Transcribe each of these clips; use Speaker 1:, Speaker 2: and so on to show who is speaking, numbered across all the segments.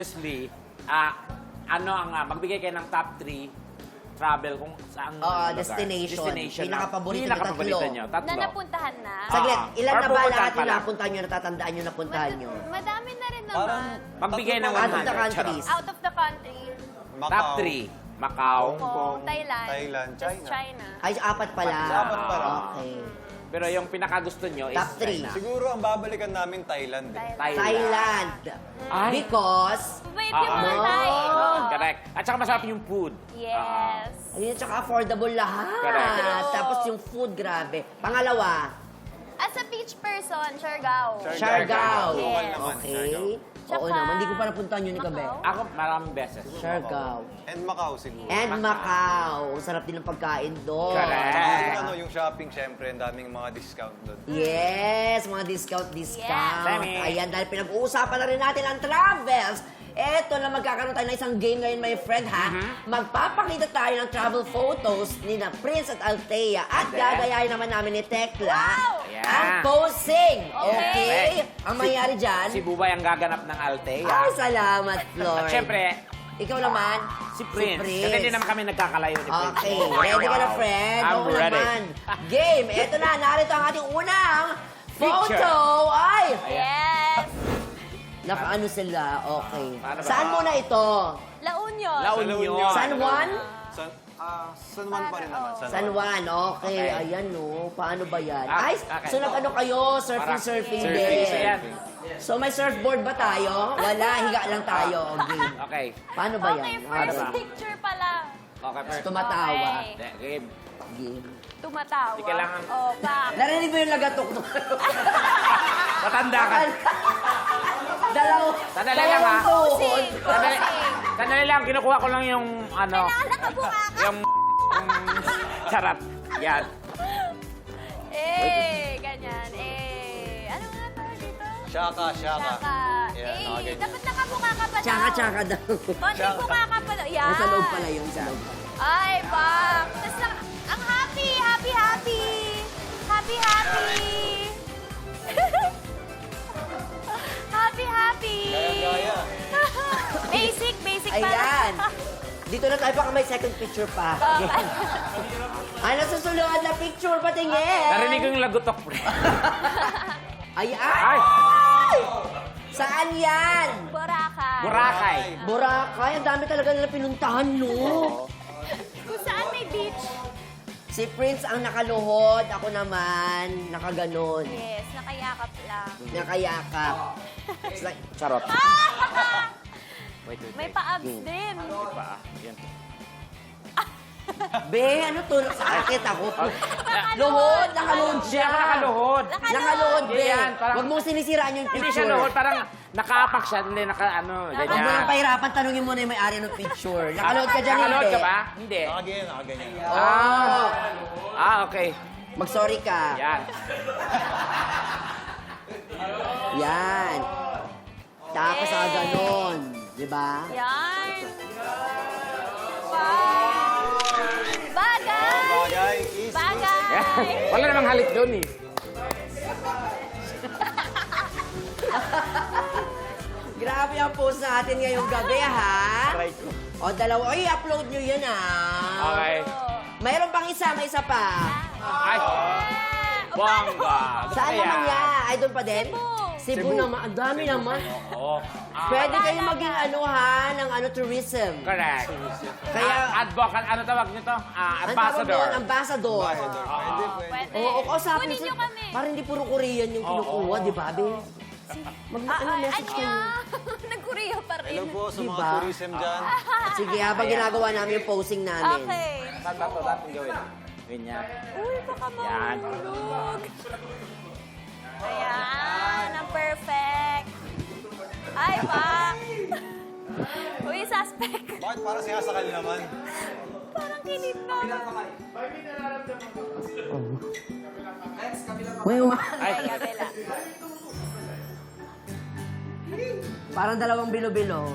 Speaker 1: Honestly, ano ang magbigay kayo ng top 3 travel kung saan lugar.
Speaker 2: Destination.
Speaker 1: na
Speaker 2: Pinakapaborito na
Speaker 1: pinakapaborito
Speaker 2: tatlo.
Speaker 1: nyo.
Speaker 3: Na
Speaker 1: Tatlo.
Speaker 3: napuntahan na?
Speaker 2: Saglit, ilan
Speaker 1: Or
Speaker 2: na ba
Speaker 1: pupuntahan
Speaker 2: lahat
Speaker 1: pa
Speaker 2: yung
Speaker 1: lang?
Speaker 2: napuntahan nyo, natatandaan nyo, napuntahan nyo?
Speaker 3: Madami na rin
Speaker 4: Parang
Speaker 3: naman.
Speaker 1: Magbigay ng
Speaker 2: Out of the
Speaker 1: 100.
Speaker 2: countries.
Speaker 3: Out of the country,
Speaker 1: Top 3. Macau.
Speaker 3: Hong Kong, Thailand,
Speaker 4: Thailand,
Speaker 3: just
Speaker 4: China.
Speaker 3: China.
Speaker 2: Ay, apat pala.
Speaker 4: Apat pala.
Speaker 2: Okay.
Speaker 1: Pero yung pinakagusto nyo is
Speaker 2: Top three.
Speaker 1: China.
Speaker 4: Siguro ang babalikan namin Thailand.
Speaker 2: Thailand.
Speaker 1: Ay.
Speaker 2: Because,
Speaker 3: Mabait yung mga Thai.
Speaker 1: Correct. At saka masarap yung food.
Speaker 3: Yes.
Speaker 2: ayun, tsaka affordable lahat.
Speaker 1: Correct.
Speaker 2: Tapos yung food, grabe. Pangalawa,
Speaker 3: As a beach person, Siargao.
Speaker 2: Siargao.
Speaker 4: Local
Speaker 3: Yes.
Speaker 4: naman,
Speaker 2: Okay.
Speaker 4: Siargao.
Speaker 2: Oo
Speaker 3: Tsaka-
Speaker 2: naman, hindi ko pa napuntahan yun ni Kabe.
Speaker 3: Macau.
Speaker 1: Ako maraming beses.
Speaker 2: Siargao.
Speaker 4: And Macau siguro.
Speaker 2: And Macau. Ang sarap din ng pagkain doon.
Speaker 1: Correct.
Speaker 4: Yung ano, yung shopping, syempre, ang daming mga discount doon.
Speaker 2: Yes, mga discount.
Speaker 1: Dami.
Speaker 2: Ayan, dahil pinag-uusapan na rin natin ang travels. Eto na magkakaroon tayo ng isang game ngayon, my friend, ha? Magpapakita tayo ng travel photos ni na Prince at Althea. At
Speaker 1: And then?
Speaker 2: gagayahin naman namin ni Tekla
Speaker 3: Wow!
Speaker 1: Yeah.
Speaker 2: ang posing.
Speaker 3: Okay.
Speaker 2: Okay? Ang mangyari dyan,
Speaker 1: Si Bubay ang gaganap ng Althea.
Speaker 2: ay, salamat, Floyd.
Speaker 1: At syempre,
Speaker 2: Ikaw naman,
Speaker 1: si Prince. Kasi hindi naman kami nagkakalayo ni Prince.
Speaker 2: Okay, ready ka na, friend?
Speaker 1: I'm
Speaker 2: Oo
Speaker 1: ready.
Speaker 2: naman. Game, eto na, narito ang ating unang
Speaker 1: Picture.
Speaker 2: photo. Ay!
Speaker 3: Yes.
Speaker 2: Nakaano sila, okay.
Speaker 1: Paano ba?
Speaker 2: Saan muna ito?
Speaker 3: La Union.
Speaker 1: La Union.
Speaker 2: San Juan?
Speaker 4: San Juan pa rin naman.
Speaker 2: San Juan, okay.
Speaker 1: Okay.
Speaker 2: Ayan, no. Paano ba yan?
Speaker 1: Ah,
Speaker 2: Ay,
Speaker 1: okay.
Speaker 2: so nag-ano kayo? Surfing
Speaker 1: Surfing.
Speaker 2: din.
Speaker 1: So yan.
Speaker 2: So may surfboard ba tayo? Wala, higa lang tayo. Okay.
Speaker 1: Okay.
Speaker 2: Paano ba yan?
Speaker 3: Okay,
Speaker 2: Ah,
Speaker 3: first
Speaker 1: ba?
Speaker 3: picture pala.
Speaker 1: Okay, first.
Speaker 2: Tumatawa.
Speaker 3: Okay.
Speaker 1: Game.
Speaker 2: Game.
Speaker 3: Tumatawa.
Speaker 1: Hindi kailangan-
Speaker 3: Oh, back.
Speaker 2: Narinig mo yung lagatok?
Speaker 1: Matanda ka. Sandali lang, ha?
Speaker 3: Posing.
Speaker 1: Sandali,
Speaker 3: Posing.
Speaker 1: sandali lang, kinukuha ko lang yung ano,
Speaker 3: Kailangan nakabuka ka.
Speaker 1: yung charap. Yan.
Speaker 3: Ganyan. Ano nga tawag dito?
Speaker 4: Shaka.
Speaker 3: Tsaka,
Speaker 4: Yeah,
Speaker 3: dapat nakabuka ka pa daw.
Speaker 2: Tsaka daw.
Speaker 3: Konting buka ka pa daw. Yan.
Speaker 2: Nasa loob pala yun, sa loob.
Speaker 3: Ay, bak. Tapos ang happy. Happy.
Speaker 4: Gaya.
Speaker 3: Basic pala.
Speaker 2: Ayan. Dito na tayo, baka may second picture pa. Ay, nasusunod na picture, patingin.
Speaker 1: Narinig ko yung lagutok, pre.
Speaker 2: Ay,
Speaker 1: Ay!
Speaker 2: Saan yan?
Speaker 3: Boracay.
Speaker 1: Boracay.
Speaker 2: Boracay, ang dami talaga nila pinuntahan, no?
Speaker 3: Kung saan may beach.
Speaker 2: Si Prince ang nakaluhod, ako naman, nakaganon.
Speaker 3: Yes, nakayakap lang.
Speaker 2: Nakayakap. It's like,
Speaker 1: Charot. Wait.
Speaker 3: May pa-abs din.
Speaker 1: Pa. Yan.
Speaker 2: be, ano to? Sakit ako. Luhod, nakaluhod
Speaker 1: Hindi
Speaker 2: siya.
Speaker 1: ako nakaluhod.
Speaker 2: Nakaluhod, be.
Speaker 1: Yan, parang-
Speaker 2: Huwag mong sinisiraan yung
Speaker 1: Hindi
Speaker 2: picture.
Speaker 1: siya luhod, parang nakaapak siya, hindi
Speaker 2: Huwag mo nang
Speaker 1: ganyan.
Speaker 2: pahirapan, tanungin mo na yung may-ari ng picture. Nakaluhod ka dyan,
Speaker 1: Nakaluhod
Speaker 2: hindi.
Speaker 1: ka ba? Hindi.
Speaker 4: Nakaganyan.
Speaker 2: Oh,
Speaker 1: Okay.
Speaker 2: mag-sorry ka.
Speaker 1: Yan.
Speaker 2: Yan. Tapos ganon. Di ba?
Speaker 3: Yan. Wow. Bagay.
Speaker 4: Bagay is
Speaker 3: Bagay.
Speaker 1: Wala namang halik doon eh.
Speaker 2: Grabe ang post natin ngayong gabi, ha?
Speaker 1: Try ko.
Speaker 2: O, dalawa. Oy, upload nyo yan, ha?
Speaker 1: Okay.
Speaker 2: Mayroon pang isa, may isa pa.
Speaker 1: Ay. Bongga. Gusto
Speaker 2: Saan
Speaker 1: ko yan.
Speaker 2: naman yan? Ay, doon pa din?
Speaker 3: Cebu.
Speaker 2: Cebu naman. Ang dami naman.
Speaker 1: Oo.
Speaker 2: Pwede kayong maging ano, ha? Ng ano, tourism.
Speaker 1: Correct.
Speaker 2: Kaya,
Speaker 1: Advocate, ano tawag nito?
Speaker 2: ang tawag
Speaker 1: Ambassador.
Speaker 2: doon, ambassador.
Speaker 4: Pwede.
Speaker 3: Pwede.
Speaker 2: Oo, kausapin
Speaker 3: Kunin nyo kami.
Speaker 2: Parang hindi puro Korean yung kinukuha, di ba, be? Message kayo.
Speaker 3: Nag-Korea pa rin.
Speaker 4: Hello po sa mga
Speaker 2: Diba?
Speaker 4: tourism dyan.
Speaker 2: Sige, habang ginagawa namin yung posing namin.
Speaker 3: Okay.
Speaker 1: Saan ba ito dapat gawin? Ganyan.
Speaker 3: Uy, baka
Speaker 1: Yan.
Speaker 3: mahulog. Ayan, ang perfect. Ay, pa. Uy, suspect.
Speaker 4: Bakit parang sinasakal naman?
Speaker 3: Parang kinip na.
Speaker 2: Uy,
Speaker 1: Ay.
Speaker 3: Kabila.
Speaker 2: parang dalawang bilo-bilo.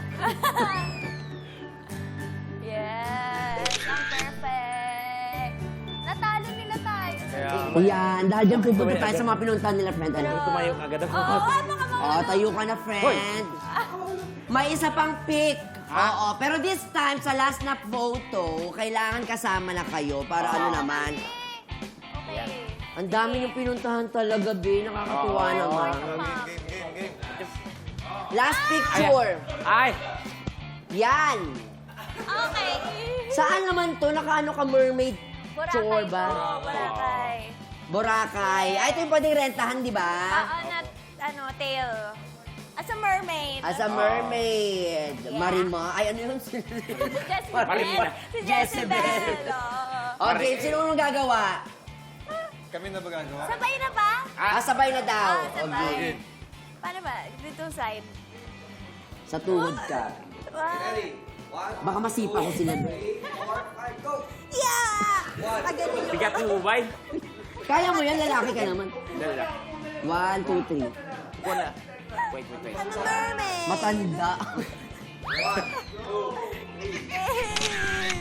Speaker 3: Yes, ang perfect. Natalo nila tayo.
Speaker 1: Kaya,
Speaker 2: Yan, dahil dyan pupunta tayo sa mga pinuntahan nila, friend. Ano?
Speaker 1: tumayo agad ako.
Speaker 3: Oo, baka
Speaker 2: Oh, tayo ka na, friend. May isa pang pic. Oo, pero this time, sa last na photo, kailangan kasama na kayo para ano naman.
Speaker 3: Okay.
Speaker 2: Ang dami yung pinuntahan talaga, Be. Nakakatuwa naman.
Speaker 4: Game.
Speaker 2: Last picture.
Speaker 1: Ay!
Speaker 2: Yan.
Speaker 3: Okay.
Speaker 2: Saan naman to? Nakaano ka, mermaid chore
Speaker 3: Boracay
Speaker 2: ba?
Speaker 3: po, Boracay.
Speaker 2: Boracay. Ay, ito yung pwedeng rentahan, di ba?
Speaker 3: Na, tail. As a mermaid.
Speaker 2: As a mermaid.
Speaker 3: Yeah.
Speaker 2: Marima. Ay, ano yun?
Speaker 3: Jezebel.
Speaker 1: Marina.
Speaker 3: Si
Speaker 2: Jezebel.
Speaker 3: Jezebel. Oo.
Speaker 2: Okay, sino nung gagawa?
Speaker 4: Kami na ba gagawa?
Speaker 3: Sabay na ba?
Speaker 2: Sabay na daw.
Speaker 3: Sabay.
Speaker 2: Okay.
Speaker 3: Paano ba? Dito side.
Speaker 2: Sa tuhod ka. Baka masipa ko sila.
Speaker 3: Yeah! Again,
Speaker 1: Bigat mo ba?
Speaker 2: Kaya mo yan, lalaki ka naman.
Speaker 1: Dala.
Speaker 2: 1, 2, 3.
Speaker 1: Wala. Wait.
Speaker 3: I'm a mermaid.
Speaker 2: Matanda.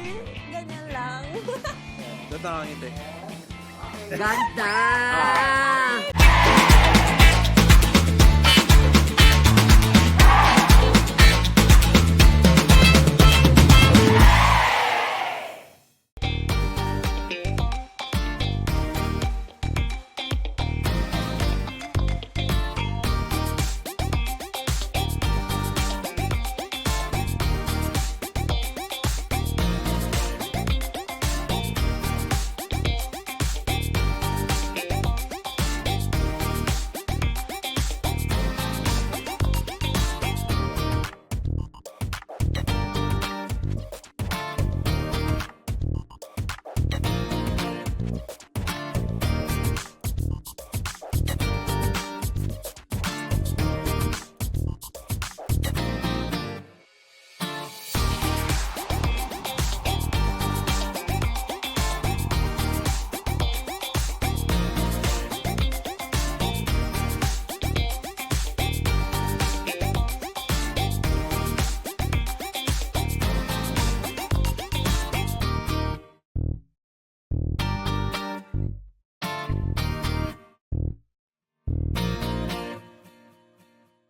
Speaker 3: Ganyan lang.
Speaker 4: Tatangangin tayo.
Speaker 2: Ganda!